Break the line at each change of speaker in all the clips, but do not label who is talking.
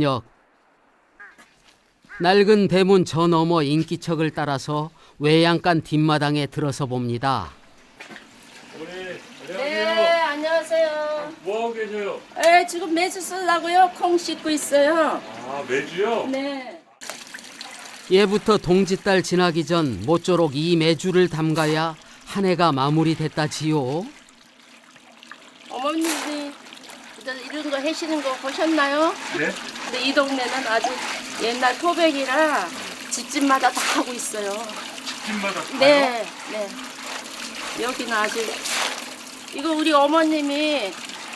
저녁. 낡은 대문 저 너머 인기척을 따라서 외양간 뒷마당에 들어서 봅니다.
어머니,
네,
안녕하세요.
안녕하세요.
뭐하고 계세요?
네, 지금 매주 쓰려고요. 콩 씻고 있어요.
아, 매주요?
네.
예부터 동짓달 지나기 전 모쪼록 이 매주를 담가야 한 해가 마무리됐다지요.
어머님이 이런 거 해시는 거 보셨나요?
네?
근데 이 동네는 아주 옛날 토백이라 집집마다 다 하고 있어요.
집마다 다요?
네, 네. 여기는 아주 이거 우리 어머님이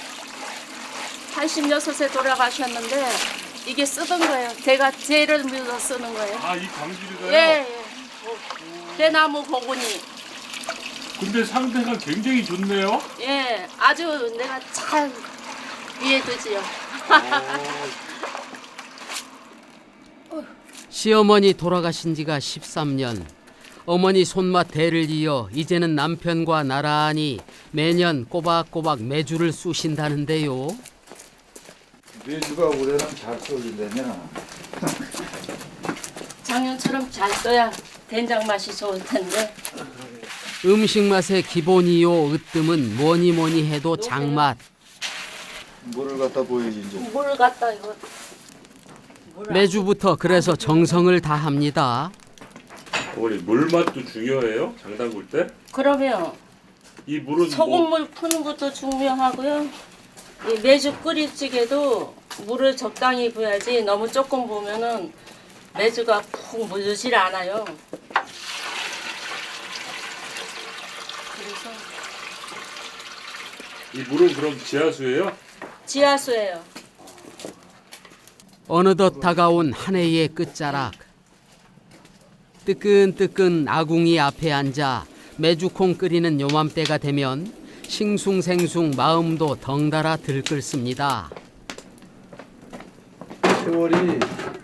86에 돌아가셨는데 이게 쓰던 거예요. 제가 죄를 묻어 쓰는 거예요.
아, 이 광주리가요?
예, 예. 대나무 보구니.
근데 상태가 굉장히 좋네요?
예, 아주 내가 잘 이해되지요.
시어머니 돌아가신 지가 13년. 어머니 손맛 대를 이어 이제는 남편과 나란히 매년 꼬박꼬박 매주를 쑤신다는데요.
매주가 올해는 잘 쏠린다냐?
작년처럼 잘 써야 된장 맛이 좋을 텐데.
음식 맛의 기본이요 으뜸은 뭐니 해도 장맛.
물을 갖다 보여야지 이제.
물 갖다 이거.
매주부터 그래서 정성을 다합니다.
어머니, 물맛도 중요해요? 장 담글 때?
그러면
이 물은
소금물 푸는 것도 중요하고요. 이 매주 끓일 찌개도 물을 적당히 부어야지 너무 조금 부으면은 매주가 푹 물르질 않아요. 그래서
이 물은 그럼 지하수예요?
지하수예요.
어느덧 다가온 한 해의 끝자락. 뜨끈뜨끈 아궁이 앞에 앉아 메주콩 끓이는 요맘때가 되면 싱숭생숭 마음도 덩달아 들끓습니다.
세월이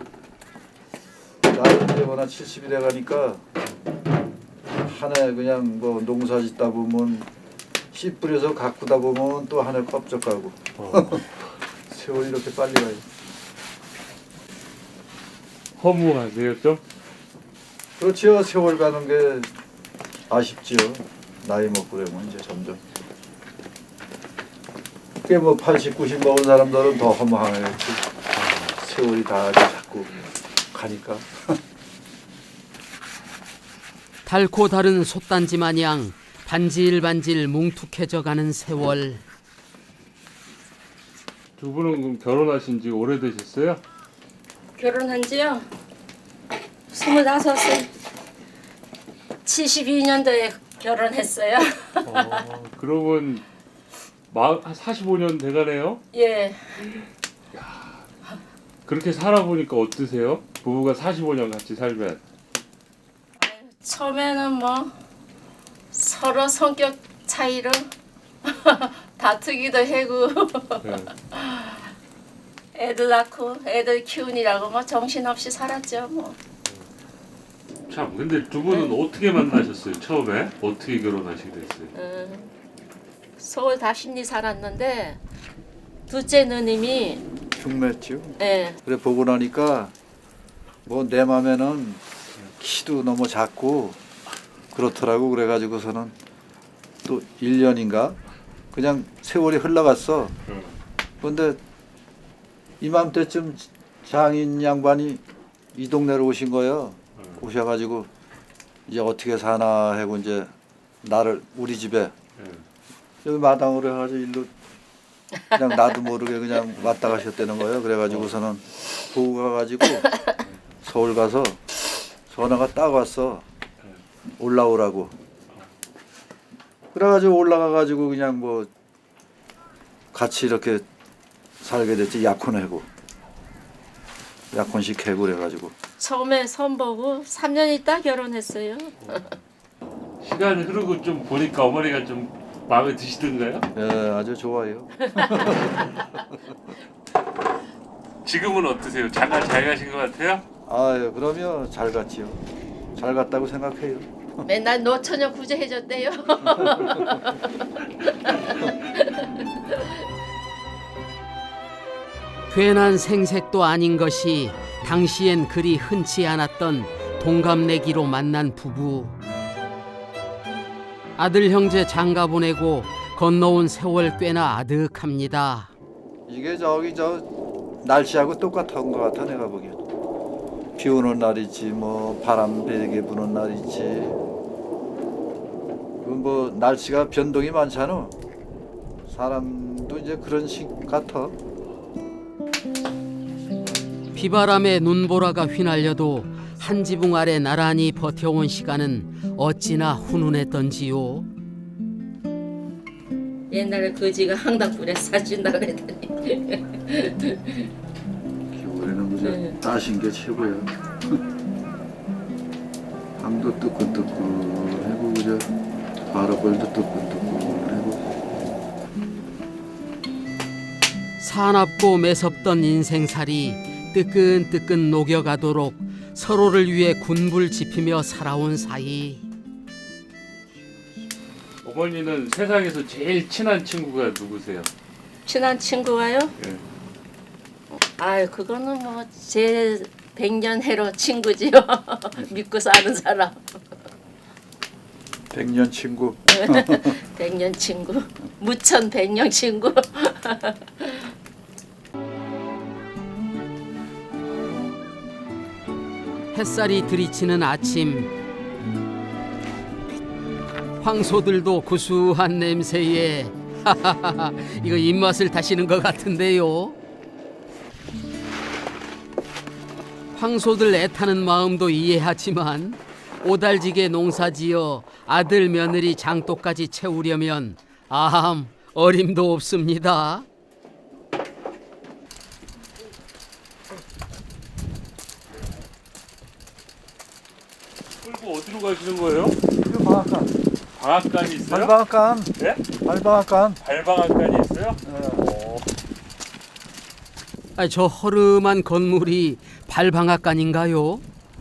나이 되거나 70이 돼가니까 한 해 그냥 뭐 농사 짓다 보면 씨 뿌려서 가꾸다 보면 또 한 해 껍적 가고 세월이 이렇게 빨리 가요.
허무하세요, 좀?
그렇지요. 세월 가는 게 아쉽지요. 나이 먹고 그러면 이제 점점. 그게 뭐 80, 90 먹은 사람들은 더 허무하겠지. 세월이 다 자꾸 가니까.
달고 다른 솥단지 마냥 반질반질 뭉툭해져 가는 세월.
두 분은 그럼 결혼하신 지 오래되셨어요?
결혼한 지요? 25세. 72년도에 결혼했어요.
그러면 45년 돼가네요?
예.
그렇게 살아보니까 어떠세요? 부부가 45년 같이 살면.
처음에는 뭐 서로 성격 차이로 다투기도 하고
네.
애들 낳고 애들 키우느라고 뭐 정신없이 살았죠 뭐.
참, 근데 두 분은 어떻게 만나셨어요? 처음에? 어떻게 결혼하시게 됐어요?
서울 다심리 살았는데 둘째 누님이
흉냈죠.
예,
그래 보고 나니까 뭐 내 맘에는 키도 너무 작고 그렇더라고. 그래가지고서는 또 1년인가 그냥 세월이 흘러갔어. 그런데 이맘때쯤 장인 양반이 이 동네로 오신 거예요. 오셔가지고 이제 어떻게 사나 하고 이제 나를 우리 집에 여기 마당으로 해가지고 일로 그냥 나도 모르게 그냥 왔다 가셨다는 거예요. 그래가지고서는 보고 가가지고 서울 가서 전화가 딱 왔어. 올라오라고. 그래가지고 올라가가지고 그냥 뭐 같이 이렇게 살게 됐지. 약혼하고 약혼식 하고 그래가지고.
처음에 선보고 3년 있다 결혼했어요.
시간이 흐르고 좀 보니까 어머니가 좀 마음에 드시던가요?
예, 아주 좋아요.
지금은 어떠세요? 장가 잘 가신 것 같아요?
아유, 그러면 잘 갔지요. 잘 갔다고 생각해요.
맨날 노처녀 구제해줬대요.
괜한 생색도 아닌 것이 당시엔 그리 흔치 않았던 동갑내기로 만난 부부. 아들 형제 장가 보내고 건너온 세월 꽤나 아득합니다.
이게 저기 저 날씨하고 똑같은 것 같아 내가 보기엔. 비 오는 날 있지 뭐 바람 베게 부는 날 있지. 뭐 날씨가 변동이 많잖아. 사람도 이제 그런 식 같아.
비바람에 눈보라가 휘날려도 한 지붕 아래 나란히 버텨온 시간은 어찌나 훈훈했던지요.
옛날에 거지가 항당불에 사준다 그랬더니
겨울에는 그저
네.
따신 게 최고야. 방도 뜨끈뜨끈하고 그저 바라벌도 뜨끈뜨끈하고.
사납고 매섭던 인생살이 뜨끈뜨끈 녹여가도록 서로를 위해 군불 지피며 살아온 사이.
어머니는 세상에서 제일 친한 친구가 누구세요?
친한 친구가요?
예.
아유 그거는 뭐 제 100년 해로 친구지요. 믿고 사는 사람.
100년 친구.
100년 친구. 무천 100년 친구.
햇살이 들이치는 아침. 황소들도 구수한 냄새에 이거 입맛을 다시는 것 같은데요. 황소들 애타는 마음도 이해하지만 오달지게 농사지어 아들 며느리 장독까지 채우려면 아함 어림도 없습니다.
끌고 어디로 가시는 거예요?
이거 방앗간.
방앗간이 있어요?
발방앗간.
네?
발방앗간.
발방앗간이 있어요?
저 허름한 건물이 발방앗간인가요?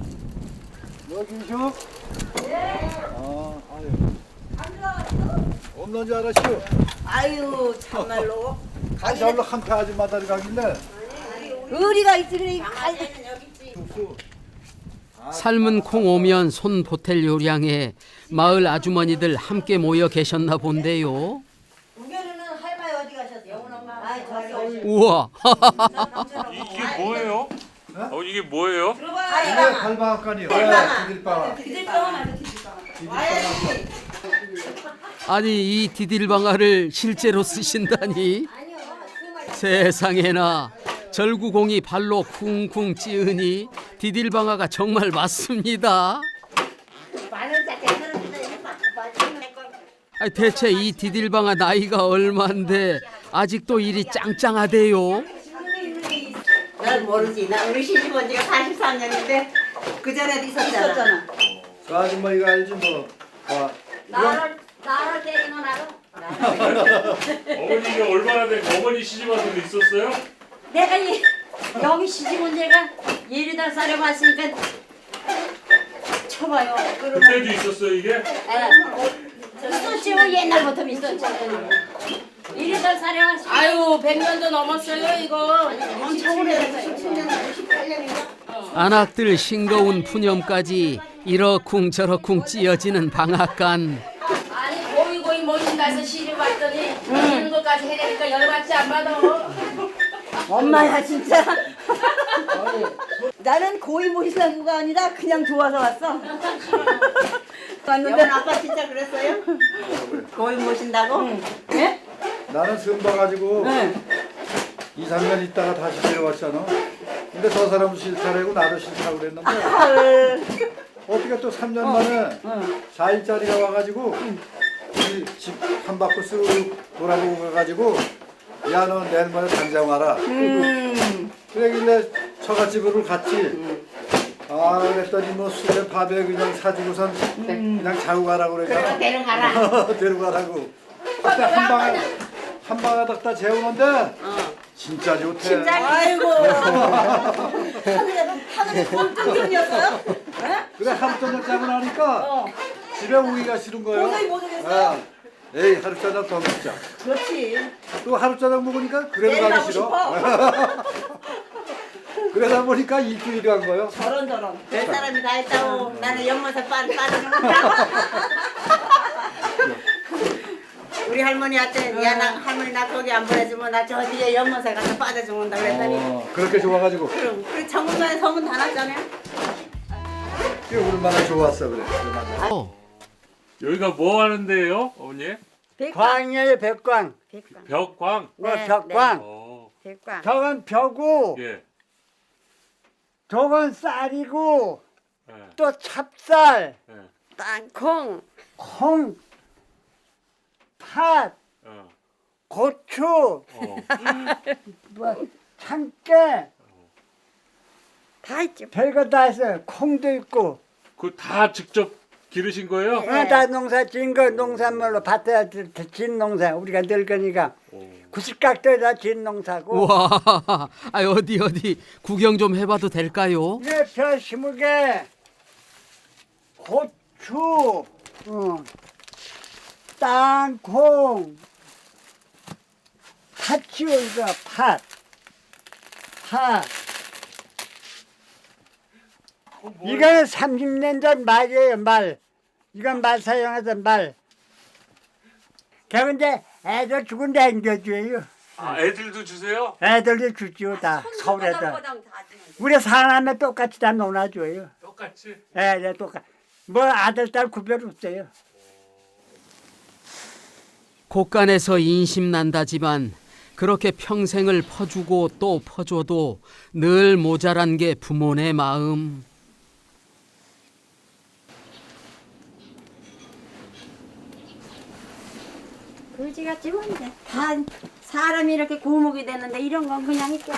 여기죠? 네. 아유. 없는 줄 알았슈.
아유 참말로
아, 저로 한패 아줌마들 가길래.
의리가 있지 그래.
죽수.
삶은 콩 오면 손 보탤 요량에 마을 아주머니들 함께 모여 계셨나 본데요.
우겨는 할머니 어디 가셨어요? 아 저기
우와.
이게 뭐예요? 이게 뭐예요?
이게 발방앗간이요. 디딜방앗.
아니 이 디딜방아를 실제로 쓰신다니. 세상에나 절구공이 발로 쿵쿵 찌으니 디딜방아가 정말 맞습니다. 대체 이 디딜방아 나이가 얼만데 아직도 일이 짱짱하대요.
난 모르지. 나 우리 시집 온 지가 43년인데 그 전에도 있었잖아.
그 아줌마가 알지 뭐.
나를 때리는 나로.
어머니가 얼마나 된 어머니 시집 와서도 있었어요?
내가 여기 시집 온 지가 18살에 왔으니까 쳐봐요.
그때도 있었어요 이게?
있었지 뭐 옛날부터 있었지. 18살에 왔으니까
아유 100년도 넘었어요 이거.
엄청 오래됐어요. 17년, 18년인가?
안악들 싱거운 푸념까지 이러쿵 저러쿵 찌어지는 방앗간.
아니 고이 모신다 해서 시집 왔더니 이런 것까지 해내니까 열받지 안 받아.
엄마야 진짜. 나는 고이 모시다가 아니라 그냥 좋아서 왔어. 왔는데 아빠 진짜 그랬어요? 고이 모신다고? 예?
나는 선 봐가지고 2, 3년 있다가 다시 데려왔잖아. 근데 저 사람도 싫다라고 나도 싫다고 그랬는데 어떻게 또 3년 만에 4일짜리가 와가지고 우리 집 한 바퀴 쓱 돌아보고 가가지고 야 너 내일 모레 당장 와라. 그러길래 처갓집으로 갔지. 아 그랬더니 뭐 술에 밥에 그냥 사주고선 그냥 자고 가라고 그러잖아.
데려가라.
데려가라고. 그때 한 방에 딱 재우는데 진짜 좋대.
아이고. 하늘에 뻥뚫기였어요?
그래 하루 저녁 자고 나니까 집에 오기가 싫은 거예요.
도저히 못 오겠어요?
에이 하루짜장 더 먹자.
그렇지.
또 하루짜장 먹으니까 그래도
내일
가기
가고
싫어.
싶어.
그러다 보니까 일주일이 간 거요.
저런. 별 사람이 다 했다고. 나는 연못에 빠지는 거야. 우리 할머니한테 야 나 할머니 나 거기 안 보내주면 나 저 뒤에 연못에 가서 빠져 죽는다 그랬더니
그렇게 좋아가지고
그럼 우리 정문전에 소문 다 났잖아요.
그게 얼마나 좋았어 그래. 얼마나.
여기가 뭐 하는 데예요, 어머니?
광이에요, 백광.
벽광.
벽광.
백광.
저건 벼고,
예.
저건 쌀이고,
예.
또 찹쌀,
예.
땅콩.
콩, 팥,
어.
고추,
어.
뭐, 참깨,
다 있죠.
별거 다 있어요. 콩도 있고.
그 다 직접 기르신 거예요?
다 농사 지은 거, 농산물로 밭에 진 농사. 우리가 늙으니까. 구식각도에다 진 농사고.
우와, 아, 어디 구경 좀 해봐도 될까요?
이게 벼 심으게 고추, 땅콩, 팥이요 이거 팥. 이거는 30년 전 말이에요 말. 이건 말 사용하던 말. 그런데 애들 죽은데 앵겨줘요.
아, 애들도 주세요?
애들도 주지요 다 서울에다. 우리 사남매 똑같이 다 놀아줘요.
똑같이?
네, 똑같. 뭐 아들 딸 구별 없어요.
곳간에서 인심난다지만 그렇게 평생을 퍼주고 또 퍼줘도 늘 모자란 게 부모네 마음.
그지 같지만 이제 다 사람이 이렇게 고목이 되는데 이런 건 그냥 있겠어.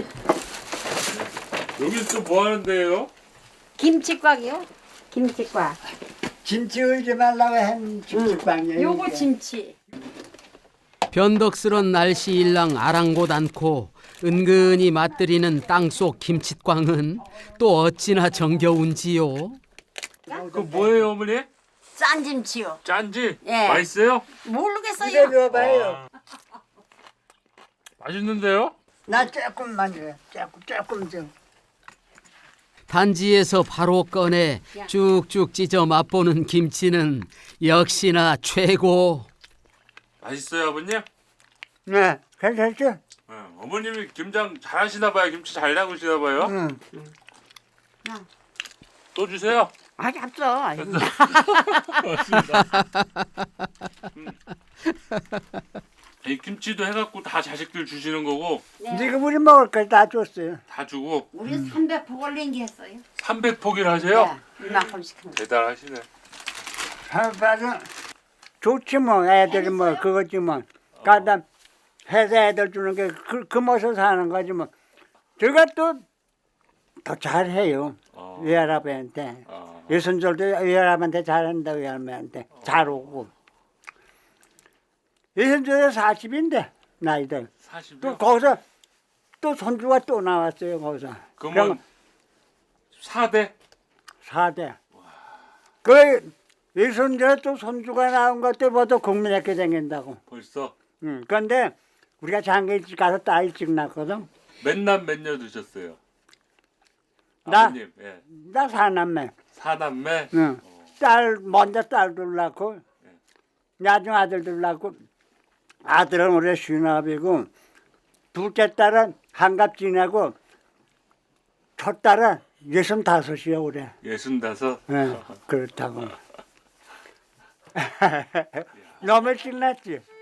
여기 또 뭐 하는 데예요?
김치곽이요? 김치곽.
김치 울지 말라고 한 김치광이에요.
요거
이게.
김치.
변덕스런 날씨 일랑 아랑곳 않고 은근히 맛들이는 땅속 김칫광은 또 어찌나 정겨운지요.
그 뭐예요, 어머니?
짠 김치요.
짠지?
예.
맛있어요?
입에
모르겠어요.
넣어봐요.
맛있는데요?
나 조금만 줘요. 조금 좀.
단지에서 바로 꺼내 쭉쭉 찢어 맛보는 김치는 역시나 최고.
맛있어요, 아버님?
네, 괜찮죠?
네, 어머님이 김장 잘하시나 봐요. 김치 잘 담그시나 봐요.
응.
또 주세요.
아직 없어.
이 김치도 해갖고 다 자식들 주시는 거고
지금 우리 먹을 걸 다 줬어요.
다 주고
우리 300포 올린 게 했어요.
300포기를 하세요?
이만큼씩 한 거.
대단하시네.
한바는 좋지 뭐 애들이 뭐 그거지 뭐. 가다 회사 애들 주는 게 그 모습 사는 거지 뭐. 제가 또 더 잘해요. 외할아버지한테. 외손절도 외할아버지한테 잘한다 외할아버지한테 잘 오고. 외손절이 40인데 나이들.
40이요?
또 거기서 또 손주가 또 나왔어요 거기서.
그러면 4대?
4대. 그 외손자 또 손주가 나온 것도 모두 국민학교 다닌다고.
벌써?
그런데 우리가 장기 일찍 가서 딸 일찍 낳거든.
몇남 몇녀 두셨어요?
나?
아버님, 예.
나 사남매.
4남매?
응. 딸 먼저 딸들 낳고 나중 아들들 낳고 아들은 올해 59이고 둘째 딸은 한갑 지내고 첫 딸은 65이야 올해.
65?
네, 그렇다고. 너무 신났지.